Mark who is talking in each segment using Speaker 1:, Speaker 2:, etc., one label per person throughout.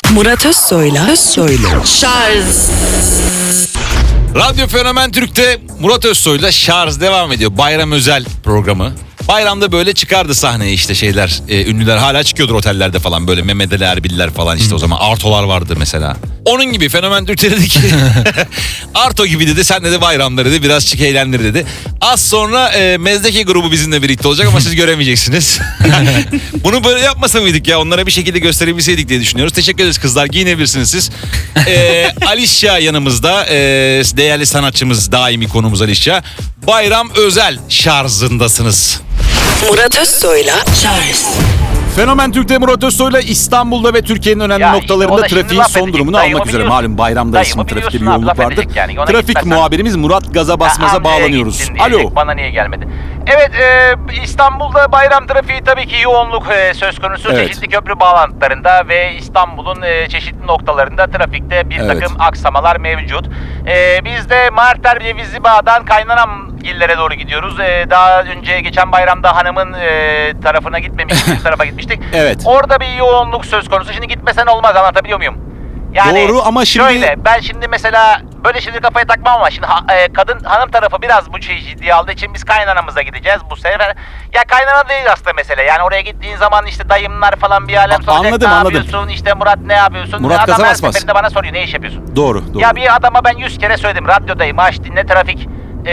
Speaker 1: Murat Özsoy'la Şarj.
Speaker 2: Radyo Fenomen Türk'te Murat Özsoy'la Şarj devam ediyor. Bayram özel programı. Bayramda böyle çıkardı sahneye işte şeyler, ünlüler hala çıkıyordur otellerde falan, böyle Mehmet Ali Erbil'ler falan işte o zaman Arto'lar vardı mesela. Onun gibi Fenomen Türk'te dedi ki Arto gibi dedi, sen dedi bayramda dedi biraz çık eğlendir dedi. Az sonra Mezdeke grubu bizimle birlikte olacak ama siz göremeyeceksiniz. Bunu böyle yapmasa mıydık ya, onlara bir şekilde gösterebilseydik diye düşünüyoruz. Teşekkür ederiz kızlar, giyinebilirsiniz siz. Alişya yanımızda, değerli sanatçımız, daimi konumuz Alişya. Bayram özel şarjındasınız.
Speaker 1: Murat Özsoy'la Şarj.
Speaker 2: Fenomen Türk'te Murat Özsoy'la İstanbul'da ve Türkiye'nin önemli
Speaker 3: Ya
Speaker 2: noktalarında
Speaker 3: işte o da
Speaker 2: trafiğin
Speaker 3: şimdi
Speaker 2: son
Speaker 3: laf
Speaker 2: durumunu
Speaker 3: edecek.
Speaker 2: almak üzere.
Speaker 3: Dayımı
Speaker 2: Malum bayramdayız, şimdi trafikte bir
Speaker 3: biliyorsun abi,
Speaker 2: yoğunluk
Speaker 3: laf
Speaker 2: vardır.
Speaker 3: edecek yani. Ona
Speaker 2: Trafik
Speaker 3: gitmezsen-
Speaker 2: muhabirimiz Murat Gaza Basmaz'a
Speaker 3: Amcaya
Speaker 2: bağlanıyoruz.
Speaker 3: gittin diyecek,
Speaker 2: Alo.
Speaker 3: bana niye gelmedi? Evet, İstanbul'da bayram trafiği tabii ki yoğunluk söz konusu.
Speaker 2: Evet.
Speaker 3: Çeşitli köprü bağlantılarında ve İstanbul'un çeşitli noktalarında trafikte bir
Speaker 2: Evet.
Speaker 3: takım aksamalar mevcut. Biz de Marter Cevizli Bağ'dan Kaynanamgillere doğru gidiyoruz. Daha önce geçen bayramda hanımın tarafına gitmemiştik, bir tarafa gitmiştik.
Speaker 2: Evet.
Speaker 3: Orada bir yoğunluk söz konusu. Şimdi gitmesen olmaz, anlatabiliyor muyum? Yani
Speaker 2: Doğru ama şimdi-
Speaker 3: şöyle, ben şimdi mesela böyle şimdi kafaya takmam ama şimdi kadın hanım tarafı biraz bu şeyi ciddiye aldığı için biz kaynanamıza gideceğiz bu sefer. Ya kaynana değil aslında mesele. Yani oraya gittiğin zaman işte dayımlar falan bir alem soracak.
Speaker 2: Anladım,
Speaker 3: ne
Speaker 2: anladım.
Speaker 3: yapıyorsun? İşte Murat ne yapıyorsun?
Speaker 2: Murat
Speaker 3: Adam
Speaker 2: gaza
Speaker 3: her
Speaker 2: basmaz.
Speaker 3: seferinde bana soruyor, ne iş yapıyorsun?
Speaker 2: Doğru.
Speaker 3: Ya bir adama ben 100 kere söyledim, radyodayım, aç dinle, trafik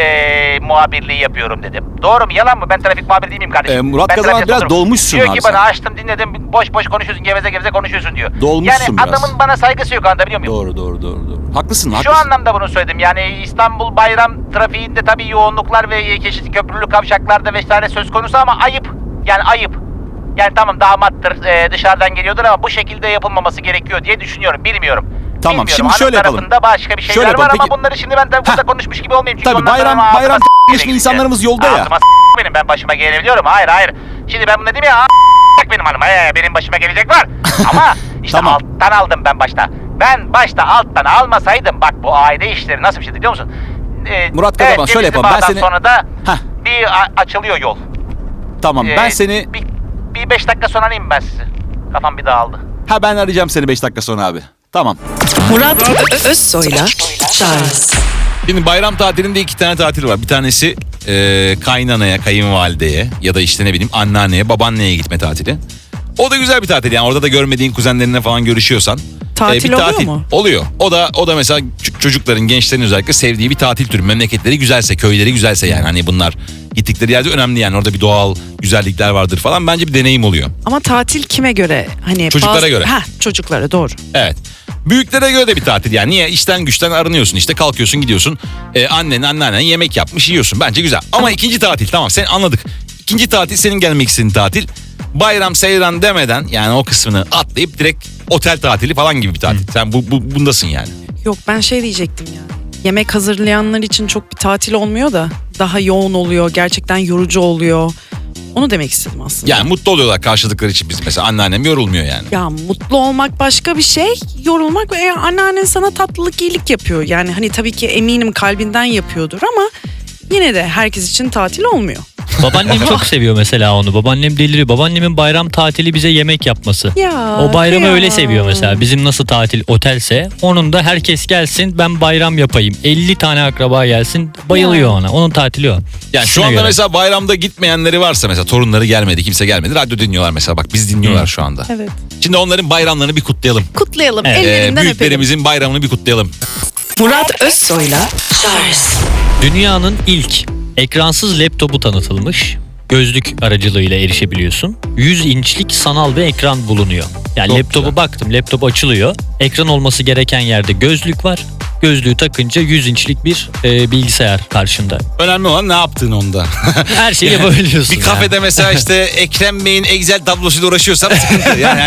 Speaker 3: muhabirliği yapıyorum dedim. Doğru mu, yalan mı? Ben trafik muhabiri değil miyim kardeşim?
Speaker 2: Murat
Speaker 3: Ben
Speaker 2: Gaza
Speaker 3: trafikte
Speaker 2: biraz
Speaker 3: otururum.
Speaker 2: dolmuşsun
Speaker 3: diyor
Speaker 2: abi
Speaker 3: ki
Speaker 2: sen.
Speaker 3: bana, açtım dinledim, boş boş konuşuyorsun, geveze geveze konuşuyorsun diyor.
Speaker 2: Dolmuşsun
Speaker 3: yani
Speaker 2: biraz.
Speaker 3: adamın bana saygısı yok, anlatabiliyor muyum?
Speaker 2: Doğru. Haklısın.
Speaker 3: Şu anlamda bunu söyledim. Yani İstanbul bayram trafiğinde tabii yoğunluklar ve çeşitli köprülü kavşaklarda vesaire söz konusu ama ayıp. Yani ayıp. Yani tamam damattır, dışarıdan geliyordur ama bu şekilde yapılmaması gerekiyor diye düşünüyorum. Bilmiyorum.
Speaker 2: Tamam,
Speaker 3: Bilmiyorum.
Speaker 2: şimdi
Speaker 3: Hanım
Speaker 2: şöyle yapalım.
Speaker 3: tarafında başka bir şeyler
Speaker 2: Şöyle
Speaker 3: var
Speaker 2: yapalım,
Speaker 3: ama
Speaker 2: peki-
Speaker 3: bunları şimdi ben tabii burada konuşmuş gibi olmayayım. Çünkü
Speaker 2: Tabii
Speaker 3: ondan sonra
Speaker 2: bayram
Speaker 3: ağzıma
Speaker 2: geçmiş
Speaker 3: gelecek
Speaker 2: insanlarımız
Speaker 3: işte.
Speaker 2: yolda ya.
Speaker 3: Ağzıma benim, ben başıma gelebiliyorum. Hayır. Şimdi ben bunu dedim ya, benim hanım. Benim başıma gelecek var. Ama işte
Speaker 2: Tamam.
Speaker 3: alttan aldım ben başta. Ben başta alttan almasaydım, bak bu aile işleri nasıl bir şey biliyor musun?
Speaker 2: Murat Gaza bak, şöyle yapalım, ben
Speaker 3: Cevizli
Speaker 2: seni-
Speaker 3: Bağ'dan sonra da
Speaker 2: Heh.
Speaker 3: bir açılıyor yol.
Speaker 2: Tamam, ben seni...
Speaker 3: Bir 5 dakika sonra arayayım ben sizi. Kafam bir dağıldı.
Speaker 2: Ben arayacağım seni 5 dakika sonra abi. Tamam.
Speaker 1: Murat Özsoy'la Şarj.
Speaker 2: Şimdi bayram tatilinde 2 tane tatil var. Bir tanesi kaynanaya, kayınvalideye ya da işte ne bileyim anneanneye, babaanneye gitme tatili. O da güzel bir tatil yani, orada da görmediğin kuzenlerinle falan görüşüyorsan.
Speaker 1: Tatil oluyor mu?
Speaker 2: Oluyor. O da mesela çocukların, gençlerin özellikle sevdiği bir tatil türü. Memleketleri güzelse, köyleri güzelse yani, hani bunlar gittikleri yerde önemli yani, orada bir doğal güzellikler vardır falan. Bence bir deneyim oluyor.
Speaker 1: Ama tatil kime göre? Hani
Speaker 2: Çocuklara göre.
Speaker 1: Çocuklara, doğru.
Speaker 2: Evet. Büyüklere göre de bir tatil yani. Niye? İşten güçten arınıyorsun, işte kalkıyorsun gidiyorsun. Anneannen yemek yapmış yiyorsun. Bence güzel. Ama ikinci tatil, tamam sen anladık. İkinci tatil senin gelmek istediğin tatil. Bayram seyran demeden yani o kısmını atlayıp direkt otel tatili falan gibi bir tatil. Sen bundasın yani.
Speaker 1: Yok, ben şey diyecektim ya. Yemek hazırlayanlar için çok bir tatil olmuyor da daha yoğun oluyor, gerçekten yorucu oluyor. Onu demek istedim aslında.
Speaker 2: Yani mutlu oluyorlar karşıladıkları için, biz mesela anneannem yorulmuyor yani.
Speaker 1: Ya mutlu olmak başka bir şey, yorulmak ve anneannen sana tatlılık, iyilik yapıyor. Yani hani tabii ki eminim kalbinden yapıyordur ama yine de herkes için tatil olmuyor.
Speaker 4: Babaannem çok seviyor mesela onu. Babaannem deliriyor. Babaannemin bayram tatili bize yemek yapması.
Speaker 1: Ya,
Speaker 4: O bayramı
Speaker 1: kıyamam.
Speaker 4: öyle seviyor mesela. Bizim nasıl tatil otelse, onun da herkes gelsin ben bayram yapayım. 50 tane akraba gelsin, bayılıyor
Speaker 1: Ya.
Speaker 4: ona. Onun tatili o.
Speaker 2: Yani şu
Speaker 4: İkisine
Speaker 2: anda
Speaker 4: göre.
Speaker 2: mesela bayramda gitmeyenleri varsa, mesela torunları gelmedi, kimse gelmedi, radyo dinliyorlar mesela, bak biz dinliyorlar şu anda.
Speaker 1: Evet.
Speaker 2: Şimdi onların bayramlarını bir kutlayalım.
Speaker 1: Kutlayalım,
Speaker 4: Evet.
Speaker 1: ellerinden öpelim.
Speaker 2: Büyüklerimizin bayramını bir kutlayalım.
Speaker 1: Murat Özsoy'la Şarj.
Speaker 4: Dünyanın ilk ekransız laptopu tanıtılmış. Gözlük aracılığıyla erişebiliyorsun. 100 inçlik sanal bir ekran bulunuyor. Yani
Speaker 2: Çok
Speaker 4: laptopu
Speaker 2: güzel.
Speaker 4: baktım, laptop açılıyor. Ekran olması gereken yerde gözlük var. Gözlüğü takınca 100 inçlik bir bilgisayar karşında.
Speaker 2: Önemli olan ne yaptığın onda.
Speaker 4: Her şeyi yapabiliyorsun.
Speaker 2: Bir kafede mesela işte Ekrem Bey'in Excel tablosuyla uğraşıyorsam sıkıntı. Yani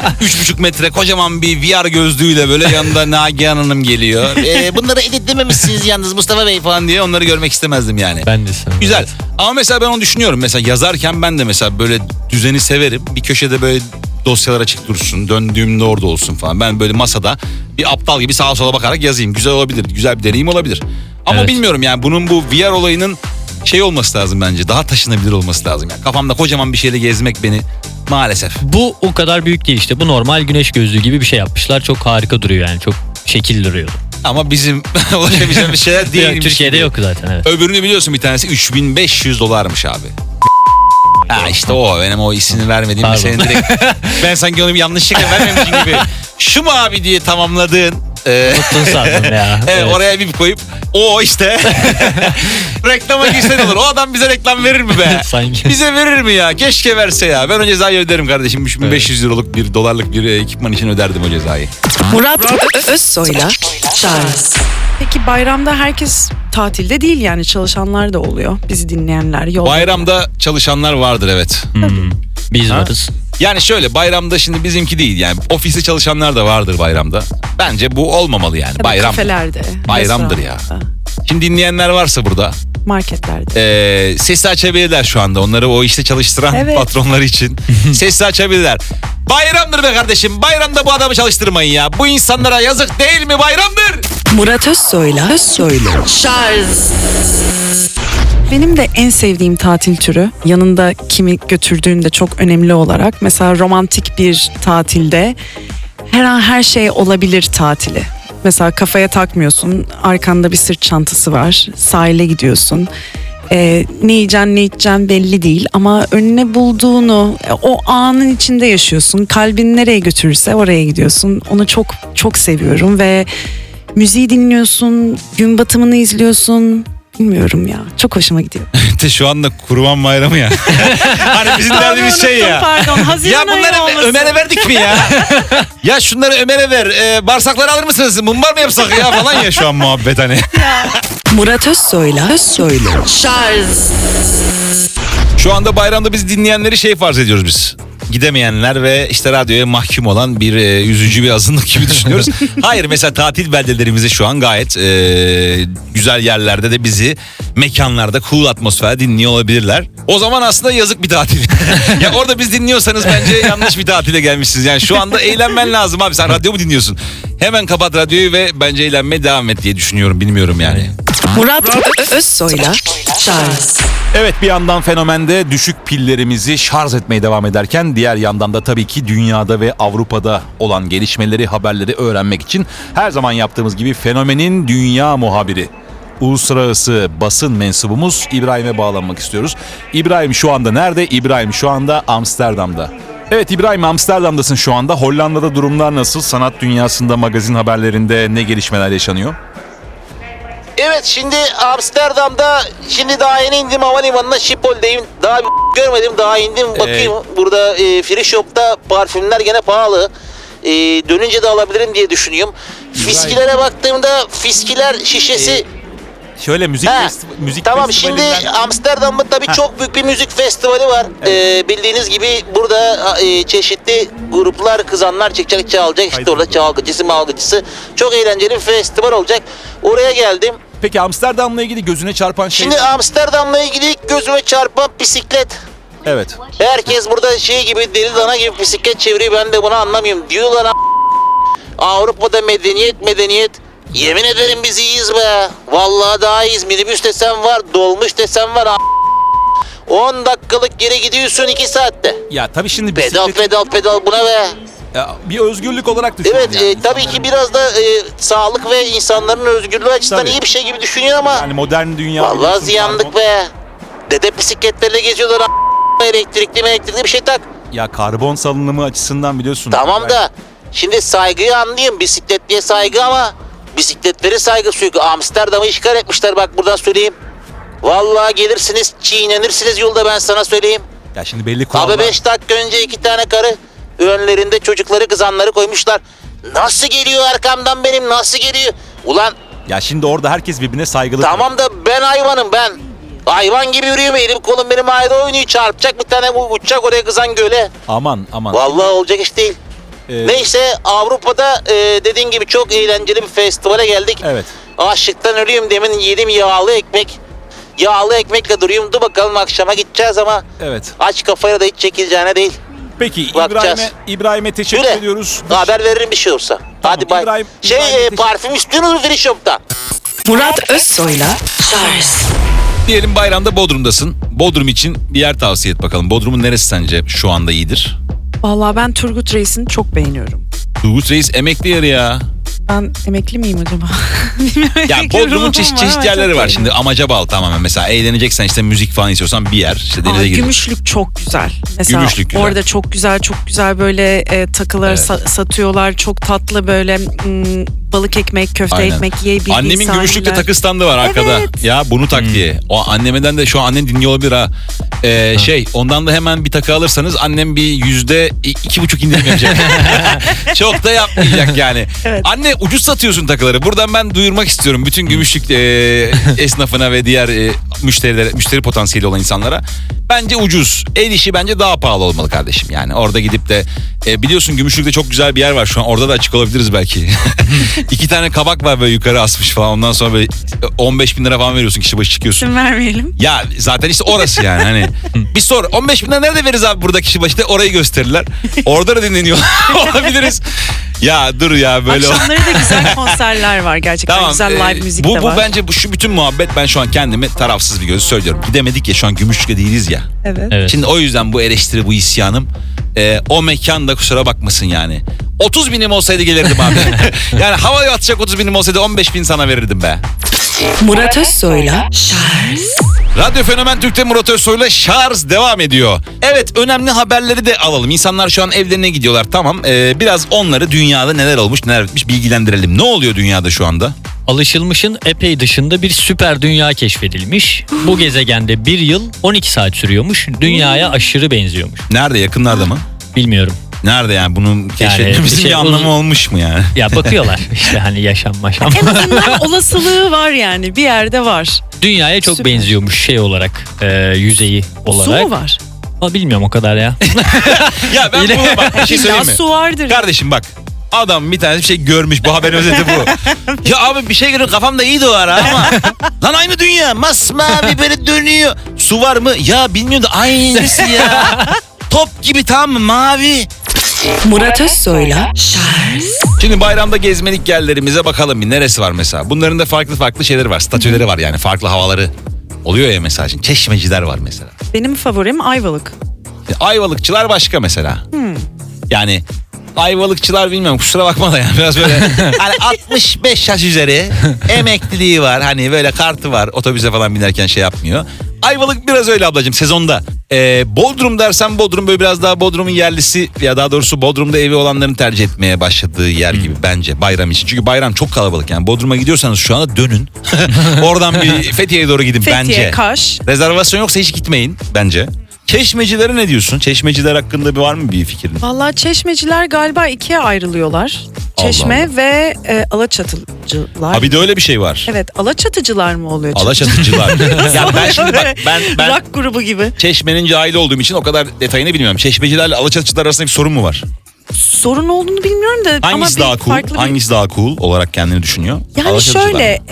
Speaker 2: 3,5 metre kocaman bir VR gözlüğüyle böyle yanında Nagihan Hanım geliyor. Bunları editlememişsiniz yalnız Mustafa Bey falan diye, onları görmek istemezdim yani.
Speaker 4: Ben de sana.
Speaker 2: Güzel. Ama mesela ben onu düşünüyorum. Mesela yazarken ben de mesela böyle düzeni severim. Bir köşede böyle dosyalar açık dursun. Döndüğümde orada olsun falan. Ben böyle masada bir aptal gibi sağa sola bakarak yazayım. Güzel olabilir. Güzel bir deneyim olabilir. Ama
Speaker 4: Evet.
Speaker 2: bilmiyorum yani, bunun bu VR olayının şey olması lazım bence. Daha taşınabilir olması lazım. Yani kafamda kocaman bir şeyle gezmek beni maalesef.
Speaker 4: Bu o kadar büyük değil işte. Bu normal güneş gözlüğü gibi bir şey yapmışlar. Çok harika duruyor yani. Çok şekil duruyor.
Speaker 2: Ama bizim ulaşabileceğimiz şeyler değil.
Speaker 4: Türkiye'de yok zaten, evet.
Speaker 2: Öbürünü biliyorsun, bir tanesi $3500'mış abi. Ha işte o benim o ismini vermediğim
Speaker 4: Pardon.
Speaker 2: senin direkt ben sanki onu bir yanlışlıkla vermemişim gibi. Şu mu abi diye tamamladığın.
Speaker 4: Unuttun sandım ya.
Speaker 2: Evet, oraya bir koyup o işte reklama girsen olur. O adam bize reklam verir mi be?
Speaker 4: Sanki.
Speaker 2: Bize verir mi ya? Keşke verse ya. Ben o cezayı öderim kardeşim. 3500 liralık bir dolarlık bir ekipman için öderdim o cezayı.
Speaker 1: Murat Özsoy'la Charles. Peki bayramda herkes tatilde değil, yani çalışanlar da oluyor. Bizi dinleyenler yolda.
Speaker 2: Bayramda çalışanlar vardır, evet.
Speaker 4: Biz varız.
Speaker 2: Yani şöyle, bayramda şimdi bizimki değil yani ofiste çalışanlar da vardır bayramda. Bence bu olmamalı yani.
Speaker 1: Tabii
Speaker 2: Bayram.
Speaker 1: kafelerde,
Speaker 2: Bayramdır ya.
Speaker 1: restoranda,
Speaker 2: Şimdi dinleyenler varsa burada
Speaker 1: marketlerde.
Speaker 2: sesi açabilirler şu anda. Onları o işte çalıştıran
Speaker 1: Evet.
Speaker 2: patronları için sesi açabilirler. Bayramdır be kardeşim. Bayramda bu adamı çalıştırmayın ya. Bu insanlara yazık değil mi? Bayramdır.
Speaker 1: Murat Özsoy'la Charles. Benim de en sevdiğim tatil türü, yanında kimi götürdüğünde çok önemli olarak. Mesela romantik bir tatilde her an her şey olabilir tatili. Mesela kafaya takmıyorsun, arkanda bir sırt çantası var, sahile gidiyorsun. Ne yiyeceksin ne içeceksin belli değil ama önüne bulduğunu o anın içinde yaşıyorsun. Kalbin nereye götürürse oraya gidiyorsun. Onu çok çok seviyorum ve müziği dinliyorsun, gün batımını izliyorsun. Bilmiyorum ya, çok hoşuma gidiyor.
Speaker 2: Şu anda Kurban Bayramı ya. Hani bizim derdimiz şey ya.
Speaker 1: Pardon, Haziran
Speaker 2: Ya
Speaker 1: ayı
Speaker 2: bunları
Speaker 1: olmasın.
Speaker 2: Ömer'e verdik mi ya? Ya şunları Ömer'e ver. Bağırsakları alır mısınız? Mumbar mı yapsak ya falan ya şu an muhabbet hani.
Speaker 1: Murat Özsoy'la Charles.
Speaker 2: Şu anda bayramda biz dinleyenleri şey farz ediyoruz biz. Gidemeyenler ve işte radyoya mahkum olan bir üzücü bir azınlık gibi düşünüyoruz. Hayır, mesela tatil beldelerimizde şu an gayet güzel yerlerde de bizi mekanlarda cool atmosfer dinliyor olabilirler. O zaman aslında yazık bir tatil. Ya orada biz dinliyorsanız bence yanlış bir tatile gelmişsiniz. Yani şu anda eğlenmen lazım abi. Sen radyo mu dinliyorsun? Hemen kapat radyoyu ve bence eğlenmeye devam et diye düşünüyorum. Bilmiyorum yani.
Speaker 1: Murat Özsoy'la Charles.
Speaker 2: Evet, bir yandan fenomende düşük pillerimizi şarj etmeye devam ederken diğer yandan da tabii ki dünyada ve Avrupa'da olan gelişmeleri, haberleri öğrenmek için her zaman yaptığımız gibi fenomenin dünya muhabiri, uluslararası basın mensubumuz İbrahim'e bağlanmak istiyoruz. İbrahim şu anda nerede? İbrahim şu anda Amsterdam'da. Evet İbrahim, Amsterdam'dasın şu anda. Hollanda'da durumlar nasıl? Sanat dünyasında, magazin haberlerinde ne gelişmeler yaşanıyor?
Speaker 3: Evet, şimdi Amsterdam'da daha yeni indim havalimanına, Schiphol'deyim. Daha görmedim, daha indim bakayım. Burada free shop'ta parfümler gene pahalı. Dönünce de alabilirim diye düşünüyorum. Fiskilere baktığımda fiskiler şişesi...
Speaker 2: Şöyle müzik
Speaker 3: Tamam, şimdi Amsterdam'da tabii çok büyük bir müzik festivali var. Bildiğiniz gibi burada çeşitli gruplar, kızanlar çıkacak, çalacak. İşte orada çalgıcısı, malgıcısı. Çok eğlenceli bir festival olacak. Oraya geldim.
Speaker 2: Peki Amsterdam'la ilgili gözüne çarpan şey...
Speaker 3: Şimdi Amsterdam'la ilgili gözüme çarpan bisiklet.
Speaker 2: Evet.
Speaker 3: Herkes burada şey gibi, deli dana gibi bisiklet çeviriyor. Ben de bunu anlamıyorum. Diyorlar Avrupa'da medeniyet. Yemin ederim biz iyiyiz be. Vallahi daha iyiyiz. Minibüs desem var, dolmuş desem var. 10 dakikalık geri gidiyorsun 2 saatte.
Speaker 2: Ya tabii şimdi
Speaker 3: Pedal buna be.
Speaker 2: Ya, bir özgürlük olarak düşün.
Speaker 3: Evet, tabii ki biraz da sağlık ve insanların özgürlüğü açısından
Speaker 2: Tabii.
Speaker 3: iyi bir şey gibi düşünüyor ama
Speaker 2: Yani modern dünya...
Speaker 3: vallahi
Speaker 2: biliyorsun,
Speaker 3: ziyandık be. Dede bisikletlerle geziyorlar. Elektrikli bir şey tak.
Speaker 2: Ya karbon salınımı açısından biliyorsun.
Speaker 3: Tamam da şimdi saygıyı anlayayım. Bisikletliye saygı ama bisikletleri saygısı yok. Amsterdam'ı işgal etmişler, bak buradan söyleyeyim. Vallahi gelirsiniz, çiğnenirsiniz yolda, ben sana söyleyeyim.
Speaker 2: Ya şimdi belli kurallar.
Speaker 3: Abi 5 dakika önce 2 tane karı önlerinde çocukları, kızanları koymuşlar. Nasıl geliyor arkamdan benim, nasıl geliyor? Ulan
Speaker 2: Ya şimdi orada herkes birbirine saygılı.
Speaker 3: tamam da ben hayvanım ben. Hayvan gibi yürüyorum, elim kolum benim ayda oynuyor, çarpacak bir tane, uçacak oraya kızan göle.
Speaker 2: Aman.
Speaker 3: Vallahi olacak iş değil. Neyse, Avrupa'da dediğin gibi çok eğlenceli bir festivale geldik.
Speaker 2: Evet.
Speaker 3: Açlıktan ölüyorum, demin yedim yağlı ekmek. Yağlı ekmekle duruyorum. Dur bakalım, akşama gideceğiz ama
Speaker 2: Evet.
Speaker 3: aç kafayla da hiç çekileceğine değil.
Speaker 2: Peki
Speaker 3: Bakacağız.
Speaker 2: İbrahim'e teşekkür
Speaker 3: Yürü.
Speaker 2: ediyoruz.
Speaker 3: Haber veririm bir şey olsa. Hadi bay.
Speaker 2: İbrahim,
Speaker 3: Parfüm istiyorsunuz mu free shop'tan?
Speaker 1: Murat Özsoy'la Charles.
Speaker 2: Diyelim bayramda Bodrum'dasın. Bodrum için bir yer tavsiye et bakalım. Bodrum'un neresi sence şu anda iyidir?
Speaker 1: Vallahi ben Turgut Reis'ini çok beğeniyorum.
Speaker 2: Turgut Reis emekli yeri ya.
Speaker 1: Ben emekli miyim acaba? Bilmiyorum,
Speaker 2: Ya
Speaker 1: emekli
Speaker 2: Bodrum'un
Speaker 1: ruhum
Speaker 2: çeşit
Speaker 1: var ama
Speaker 2: yerleri
Speaker 1: çok
Speaker 2: var.
Speaker 1: beğeniyorum.
Speaker 2: Şimdi amaca bağlı tamamen. Mesela eğleneceksen işte müzik falan istiyorsan bir yer. İşte denize giriyor.
Speaker 1: Gümüşlük çok güzel. Mesela
Speaker 2: Gümüşlük güzel.
Speaker 1: orada çok güzel böyle takılar
Speaker 2: Evet.
Speaker 1: satıyorlar. Çok tatlı böyle balık ekmek, köfte
Speaker 2: Aynen.
Speaker 1: ekmek yiyebildiğin
Speaker 2: Annemin
Speaker 1: sahiller.
Speaker 2: Gümüşlük'te takı standı var arkada.
Speaker 1: Evet.
Speaker 2: Ya bunu tak diye. O annemden de şu an annen dinliyor olabilir ha. Ondan da hemen bir takı alırsanız annem bir %2,5 indirim yapacak. Çok da yapmayacak yani.
Speaker 1: Evet.
Speaker 2: Anne ucuz satıyorsun takıları. Buradan ben duyurmak istiyorum bütün Gümüşlük esnafına ve diğer müşteri potansiyeli olan insanlara. Bence ucuz. El işi bence daha pahalı olmalı kardeşim. Yani orada gidip de biliyorsun Gümüşlük'te çok güzel bir yer var şu an. Orada da açık olabiliriz belki. 2 tane kabak var böyle yukarı asmış falan. Ondan sonra böyle 15 bin lira falan veriyorsun, kişi başı çıkıyorsun.
Speaker 1: İsim vermeyelim.
Speaker 2: Ya zaten işte orası yani hani. Bir sor 15 bin lira nerede veririz abi burada kişi başı, de orayı gösterirler. Orada da dinleniyor olabiliriz. Ya dur ya böyle.
Speaker 1: Akşamları da güzel konserler var gerçekten.
Speaker 2: Tamam,
Speaker 1: güzel live müzik
Speaker 2: bu
Speaker 1: de var.
Speaker 2: bence şu bütün muhabbet, ben şu an kendimi tarafsız bir gözü söylüyorum. Gidemedik ya, şu an Gümüşlük'te değiliz ya.
Speaker 1: Evet.
Speaker 4: Evet.
Speaker 2: Şimdi o yüzden bu eleştiri, bu isyanım. O mekanda kusura bakmasın yani. 30 binim olsaydı gelirdim abi. Yani havaya atacak 30 binim olsaydı 15 bin sana verirdim be.
Speaker 1: Murat Özsoy'la
Speaker 2: Radyo Fenomen Türk'te Murat Özsoy'la şarj devam ediyor. Evet, önemli haberleri de alalım. İnsanlar şu an evlerine gidiyorlar, tamam. Biraz onları dünyada neler olmuş neler bitmiş bilgilendirelim. Ne oluyor dünyada şu anda?
Speaker 4: Alışılmışın epey dışında bir süper dünya keşfedilmiş. Bu gezegende 1 yıl 12 saat sürüyormuş. Dünyaya aşırı benziyormuş.
Speaker 2: Nerede, yakınlarda mı?
Speaker 4: Bilmiyorum.
Speaker 2: Nerede yani, bunun keşfedilmemizin bir anlamı olmuş mu yani?
Speaker 4: Ya bakıyorlar işte hani yaşam.
Speaker 1: en azından olasılığı var yani. Bir yerde var.
Speaker 4: Dünyaya çok
Speaker 1: Süper.
Speaker 4: benziyormuş şey olarak, yüzeyi olarak.
Speaker 1: Su mu var?
Speaker 4: Ama bilmiyorum o kadar ya.
Speaker 2: Ya ben bunu bak bir şey
Speaker 1: İlla
Speaker 2: söyleyeyim mi?
Speaker 1: su vardır.
Speaker 2: Kardeşim bak. Adam bir tane bir şey görmüş. Bu haberin özeti bu. Ya abi bir şey görüyor, kafamda iyi de o ara ama. Lan aynı dünya. Masmavi böyle dönüyor. Su var mı? Ya bilmiyorum da aynısı ya. Top gibi, tamam mı? Mavi.
Speaker 1: Murat Özsoy'la
Speaker 2: Şimdi bayramda gezmelik yerlerimize bakalım bir. Neresi var mesela? Bunların da farklı şeyleri var. Statüleri var yani. Farklı havaları oluyor ya mesela. Şimdi çeşmeciler var mesela.
Speaker 1: benim favorim Ayvalık.
Speaker 2: Ayvalıkçılar başka mesela. Yani Ayvalıkçılar bilmiyorum, kusura bakma da yani biraz böyle hani 65 yaş üzeri emekliliği var, hani böyle kartı var, otobüse falan binerken şey yapmıyor. Ayvalık biraz öyle ablacığım sezonda. Bodrum dersen Bodrum böyle biraz daha Bodrum'un yerlisi, ya daha doğrusu Bodrum'da evi olanların tercih etmeye başladığı yer gibi bence bayram için. Çünkü bayram çok kalabalık yani. Bodrum'a gidiyorsanız şu anda dönün. Oradan bir Fethiye'ye doğru gidin
Speaker 1: Fethiye,
Speaker 2: bence.
Speaker 1: Kaş.
Speaker 2: Rezervasyon yoksa hiç gitmeyin bence. Çeşmecilere ne diyorsun? Çeşmeciler hakkında var mı bir fikrin?
Speaker 1: Vallahi çeşmeciler galiba ikiye ayrılıyorlar. Çeşme
Speaker 2: Allah.
Speaker 1: ve Alaçatıcılar.
Speaker 2: Ha bir de öyle bir şey var.
Speaker 1: Evet, Alaçatıcılar mı oluyor?
Speaker 2: Alaçatıcılar. Ya ben şimdi bak ben
Speaker 1: Rock grubu gibi.
Speaker 2: Çeşme'nin cahili olduğum için o kadar detayını bilmiyorum. Çeşmecilerle Alaçatıcılar arasında bir sorun mu var?
Speaker 1: Sorun olduğunu bilmiyorum da
Speaker 2: Hangisi
Speaker 1: ama
Speaker 2: daha cool?
Speaker 1: farklı bir...
Speaker 2: Hangisi daha cool olarak kendini düşünüyor?
Speaker 1: Yani
Speaker 2: Alaçatıcılar mı?
Speaker 1: şöyle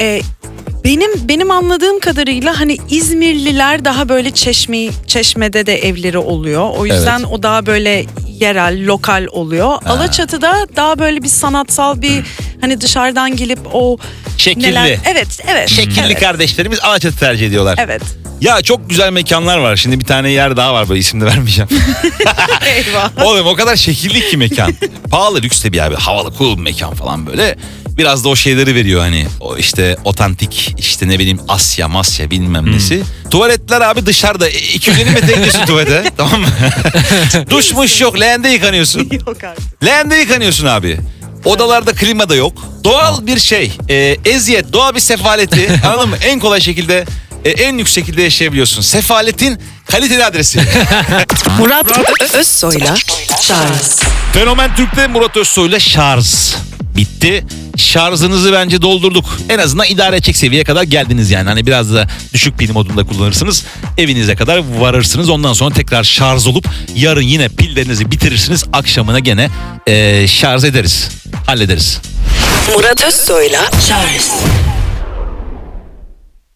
Speaker 1: benim anladığım kadarıyla hani İzmirliler daha böyle Çeşme'de de evleri oluyor. O yüzden o daha böyle yerel, lokal oluyor. Alaçatı'da daha böyle bir sanatsal bir hani dışarıdan gelip o
Speaker 2: Şekilli.
Speaker 1: neler... Evet.
Speaker 2: Şekilli
Speaker 1: evet.
Speaker 2: kardeşlerimiz Alaçatı tercih ediyorlar.
Speaker 1: Evet.
Speaker 2: Ya çok güzel mekanlar var. Şimdi bir tane yer daha var, böyle isim de vermeyeceğim.
Speaker 1: Eyvah.
Speaker 2: Oğlum o kadar şekilli ki mekan. Pahalı, lüks de bir abi. Havalı, cool bir mekan falan böyle. Biraz da o şeyleri veriyor hani. O işte otantik, işte ne bileyim Masya bilmem nesi. Tuvaletler abi dışarıda. 250 metre gidiyorsun tuvalete. Tamam mı? Duşmuş yok. Leğende yıkanıyorsun.
Speaker 1: Yok artık.
Speaker 2: Leğende yıkanıyorsun abi. Odalarda klima da yok. Doğal bir şey. Eziyet, doğal bir sefaleti. Anladın mı? En kolay şekilde, en lüks şekilde yaşayabiliyorsun. Sefaletin kaliteli adresi.
Speaker 1: Murat Özsoy'la Charles.
Speaker 2: Fenomen Türk'te Murat Özsoy'la şarj bitti. Şarjınızı bence doldurduk. En azından idare edecek seviyeye kadar geldiniz yani. Hani biraz da düşük pil modunda kullanırsınız. Evinize kadar varırsınız. Ondan sonra tekrar şarj olup yarın yine pillerinizi bitirirsiniz. Akşamına gene şarj ederiz. Hallederiz.
Speaker 1: Murat Özsoy'la Charles.